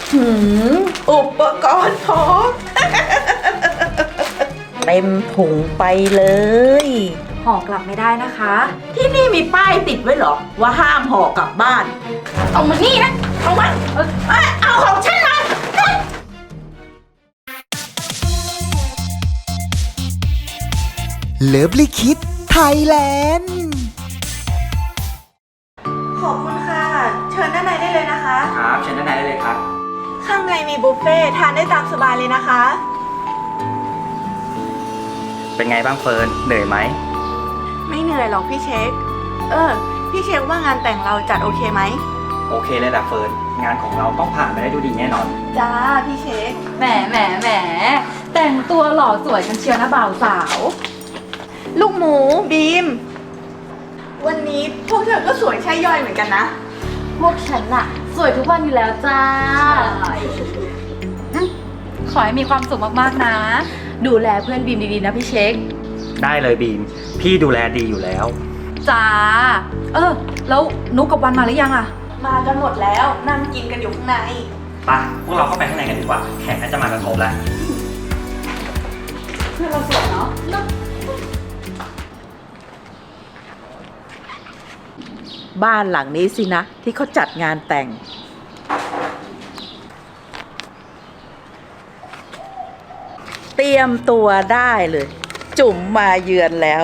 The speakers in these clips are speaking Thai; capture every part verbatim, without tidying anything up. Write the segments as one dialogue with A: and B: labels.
A: หืมอุปกรณ์พร้อม เต็มถุงไปเลย
B: ห่อกลับไม่ได้นะคะ
A: ที่นี่มีป้ายติดไว้เหรอว่าห้ามห่อกลับบ้าน เอามานี่นะเอามาเอ้ยเอาของฉันมา
C: เลิฟลิคิดไทยแลนด์
B: ขอบคุณค่ะ เชิญด้านในได้เลยนะคะ
D: ครับเชิญด้านในได้เลยครับ
B: ข้างในมีบุฟเฟ่ต์ทานได้ตามสบายเลยนะคะ
D: เป็นไงบ้างเฟิร์นเหนื่อยไหม
B: ไม่เหนื่อยหรอกพี่เช็ค เออ พี่เช็คว่างานแต่งเราจัดโอเคไหม
D: โอเคเลยแหละเฟิร์นงานของเราต้องผ่านไปได้ดูดีแน่นอน
B: จ้าพี่เช็ค
E: แหมแหมแหมแต่งตัวหล่อสวยกันเชียวนะบ่าวสาว
B: ลูกหมูบีม วันนี้พวกเธอก็สวยใช่ย่อยเหมือนกันนะ
E: พวกฉันน่ะ สวยทุกวันอยู่แล้วจ้าอืมขอให้มีความสุขมากๆนะ ดูแลเพื่อนบีมดีๆนะพี่เช็ค
D: ได้เลยบีมพี่ดูแลดีอยู่แล้ว
E: จ้า เออ แล้วนุกกับวันมาหรือยังอะ
B: มากันหมดแล้วนั่งกินกันอยู่ข้างใน
D: ไปพวกเราเข้าไปข้างในกันดีกว่าแขกน่าจะมากันครบแล้ว
E: เพื่อนเราสวยเนาะ
A: บ้านหลังนี้สินะที่เขาจัดงานแต่ง เตรียมตัวได้เลย จุ๋มมาเยือนแล้ว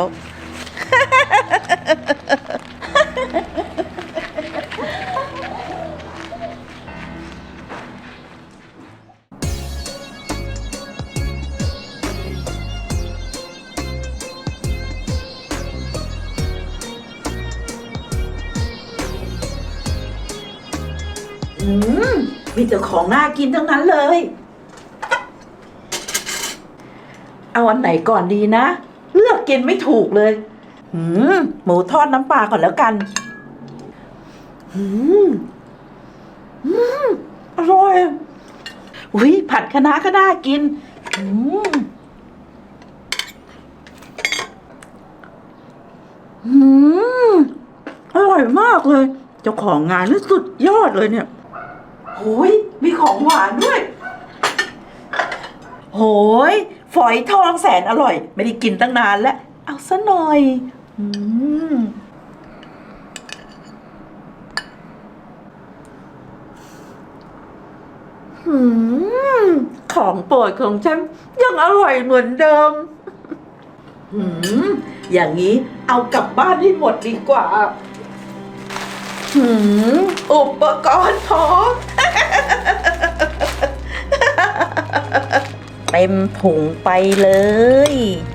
A: อืมมีแต่ของน่ากินทั้งนั้นเลย เอาอันไหนก่อนดีนะ เลือกกินไม่ถูกเลยหืมหมูทอดน้ำปลาก่อนแล้วกันหืมหืมอร่อยอุ้ยผัดคะน้าก็น่ากินหืมหืมอร่อยมากเลย เจ้าของงานนี่สุดยอดเลยเนี่ยโหยมีของหวานด้วยโหยฝอยทองแสนอร่อย ไม่ได้กินตั้งนานแล้ว เอาซะหน่อยอืมหืมของโปรดของฉันยังอร่อยเหมือนเดิมหืมอย่างนี้เอากลับบ้านให้หมดดีกว่าหืมอุปกรณ์พร้อม เต็มถุงไปเลย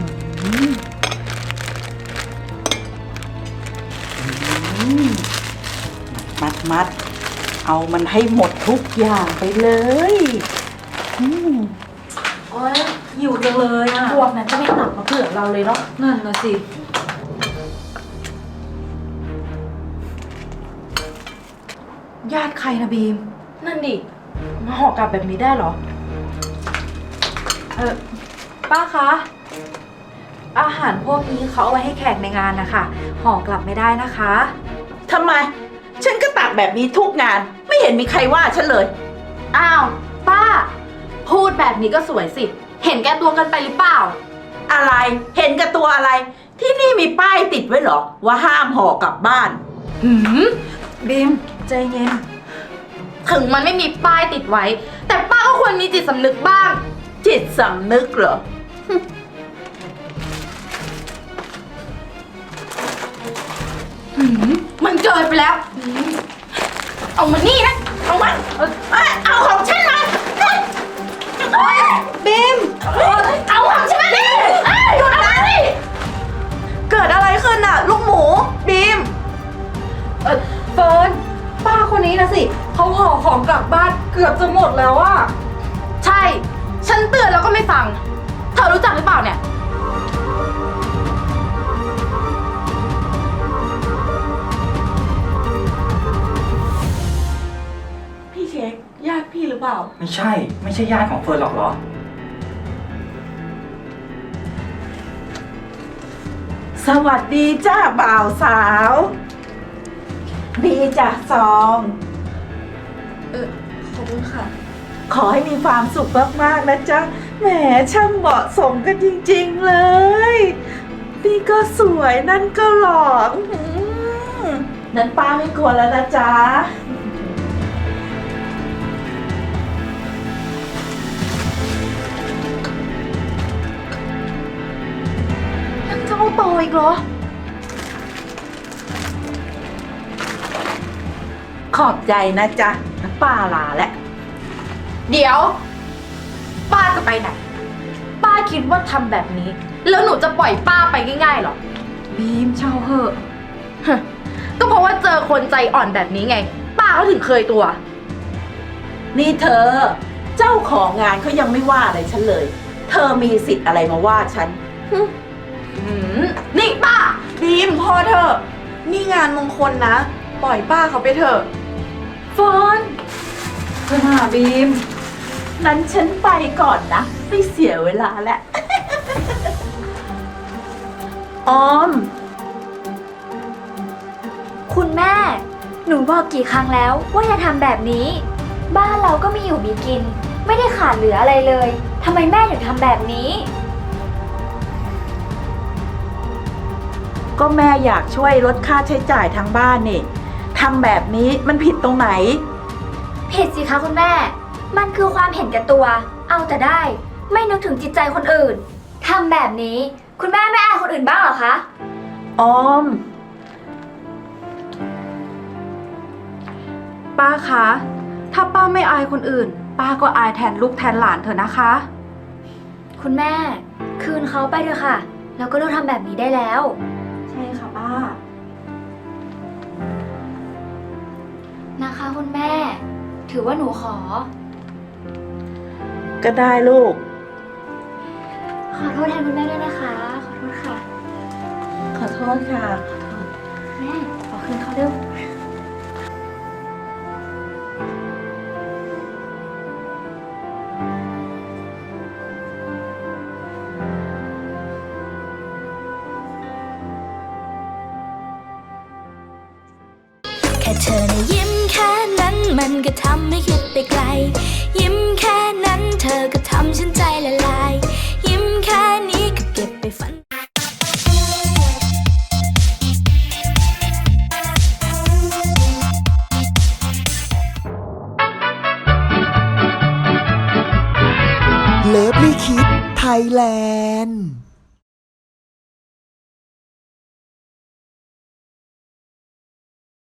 A: มัดมัดเอามันให้หมดทุกอย่างไปเลยอืม
E: โอ๊ยหิวจังเลยอะพวกนั้นก็ไม่ตักมาเผื่อเราเลยเนาะ นั่นนะสิ ญาติใครนะบีม นั่นดิ มาห่อกลับแบบนี้ได้เหรอ เออป้าคะ อาหารพวกนี้เขาเอาไว้ให้แขกในงานนะคะ ห่อกลับไม่ได้นะคะ
A: ทำไม ฉันก็ตักแบบนี้ทุกงาน ไม่เห็นมีใครว่าฉันเลย
E: อ้าว ป้า พูดแบบนี้ก็สวยสิ เห็นแก่ตัวกันไปหรือเปล่า
A: อะไรเห็นกับตัวอะไร ที่นี่มีป้ายติดไว้เหรอ ว่าห้ามห่อกลับบ้าน
E: หืมบีมใจเย็น
F: ถึงมันไม่มีป้ายติดไว้ แต่ป้าก็ควรมีจิตสำนึกบ้าง
A: จิตสำนึกเหรอ
F: มันเกินไปแล้ว เอามานี่นะ เอามาเอ้ยเอาของฉันมาบีมเอาของฉันมาดิเอ้ยหยุดนะดิ
B: เกิดอะไรขึ้นน่ะ ลูกหมูบีม
E: เออเฟิร์นป้าคนนี้นะสิ เขาห่อของกลับบ้านเกือบจะหมดแล้วอะ
F: ใช่ ฉันเตือนแล้วก็ไม่ฟัง เธอรู้จักหรือเปล่าเนี่ย
B: พี่เช็คญาติพี่หรือเปล่า
D: ไม่ใช่ไม่ใช่ญาติของเฟิร์นหรอกเหรอ
A: สวัสดีจ้าบ่าวสาวดีจ้ะซอง
B: เออขอบคุณค่ะ
A: ขอให้มีความสุขมากๆนะจ๊ะ แหมช่างเหมาะสมกันจริงๆเลย นี่ก็สวยนั่นก็หล่ออื้อหือนั้นป้าไม่กลัวแล้วนะจ๊ะ
E: ยังจะเอาต่ออีกเหรอ
A: ขอบใจนะจ๊ะน้ำป้าลาแล้ว
F: เดี๋ยว ป้าจะไปไหน ป้าคิดว่าทำแบบนี้ แล้วหนูจะปล่อยป้าไปง่ายๆเหรอ
E: บีมเช่าเหอะ
F: ฮะก็เพราะว่าเจอคนใจอ่อนแบบนี้ไง ป้าเขาถึงเคยตัว
A: นี่เธอ เจ้าของงานเขายังไม่ว่าอะไรฉันเลย เธอมีสิทธิ์อะไรมาว่าฉัน
F: หืมนี่ป้า
B: บีมพอเถอะ นี่งานมงคลนะ ปล่อยป้าเขาไปเถอะ
E: เฟิร์นเธอหน้าบีม
A: นั้นฉันไปก่อนนะ ไม่เสียเวลาแล้ว ออม
G: คุณแม่ หนูบอกกี่ครั้งแล้วว่าอย่าทำแบบนี้ บ้านเราก็มีอยู่มีกิน ไม่ได้ขาดเหลืออะไรเลยทำไมแม่ถึงทำแบบนี้
A: ก็แม่อยากช่วยลดค่าใช้จ่ายทางบ้านนี่ทำแบบนี้มันผิดตรงไหน
G: ผิดสิคะคุณแม่ มันคือความเห็นแก่ตัว เอาแต่ได้ ไม่นึกถึงจิตใจคนอื่นทำแบบนี้ คุณแม่ไม่อายคนอื่นบ้างเหรอคะ
A: ออม
E: ป้าคะ ถ้าป้าไม่อายคนอื่น ป้าก็อายแทนลูกแทนหลานเถอะนะคะ
G: คุณแม่ คืนเขาไปเถอะค่ะ แล้วก็เลิกทำแบบนี้ได้แล้ว
E: ใช่ค่ะป้า
G: นะคะคุณแม่ ถือว่าหนูขอ
A: ก็ได้ลูก
G: ขอโทษแทนคุณแม่ด้วยนะคะ ขอโทษค่ะ
A: ขอโทษค่ะ
G: แม่ขอคืนเขาเร็ว
H: แค่เธอนะยิ้มแค่นั้นมันก็ทำให้คิดไปไกล ยิ้มแค่นั้นเธอก็ทำฉันใจละลาย ยิ้มแค่นี้ก็เก็บไปฝัน
C: เลิฟลี่คิดไทยแลนด์